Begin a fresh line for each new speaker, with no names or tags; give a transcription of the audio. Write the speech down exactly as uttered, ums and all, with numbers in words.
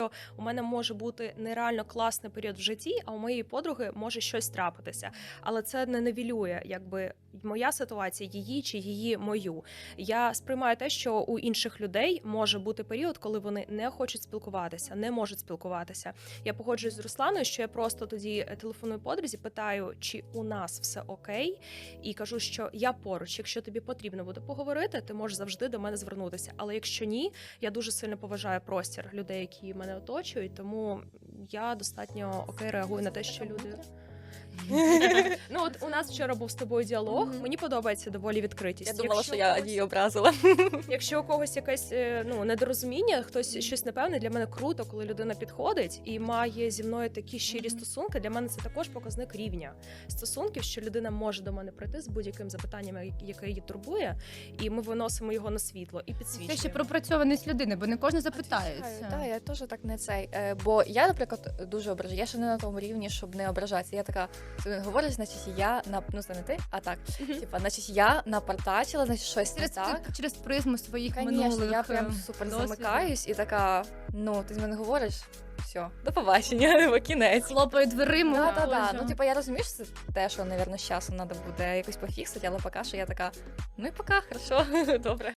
У мене може бути нереально класний період в житті, а у моєї подруги може щось трапитися. Але це не нівелює, якби моя ситуація, її чи її мою. Я сприймаю те, що у інших людей може бути період, коли вони не хочуть спілкуватися, не можуть спілкуватися. Я погоджуюсь з Русланою, що я просто тоді телефоную подрузі, питаю, чи у нас все окей, і кажу, що я поруч. Якщо тобі потрібно буде поговорити, ти можеш завжди до мене звернутися. Але якщо ні, я дуже сильно поважаю простір людей, які мене оточують, тому я достатньо окей реагую на те, що люди. Ну от у нас вчора був з тобою діалог.
Мгм.
Мені подобається доволі відкритість.
Я думала,
Якщо
що я
когось-
її образила.
Якщо у когось якесь е, ну недорозуміння, хтось щось непевне, для мене круто, коли людина підходить і має зі мною такі щирі
Мгм.
стосунки. Для мене це також показник рівня стосунків, що людина може до мене прийти з будь-яким запитанням, я- яке її турбує, і ми виносимо його на світло і
Це
підсвічуємо.
ще пропрацьованість людини, бо не кожен запитається.
Так, я теж так не цей. Е, Бо я, наприклад, дуже ображаю. Я ще не на тому рівні, щоб не ображатися. Я така, ти говориш, значить я на ну це не ти, а так.
Мгм.
Типа, значить, я напартачила, значить щось не
Через,
так.
через призму своїх
Звісно,
минулих
я прям
е,
супер
досвідів.
замикаюсь і така, ну, ти з мене говориш, все, до побачення, бо кінець.
Хлопає дверима.
Да, да, да.
Боже.
Ну, типа, я розумію, що це те, що, мабуть, з часом треба буде якось пофіксити, але поки що я така, ну і пока, хорошо, добре.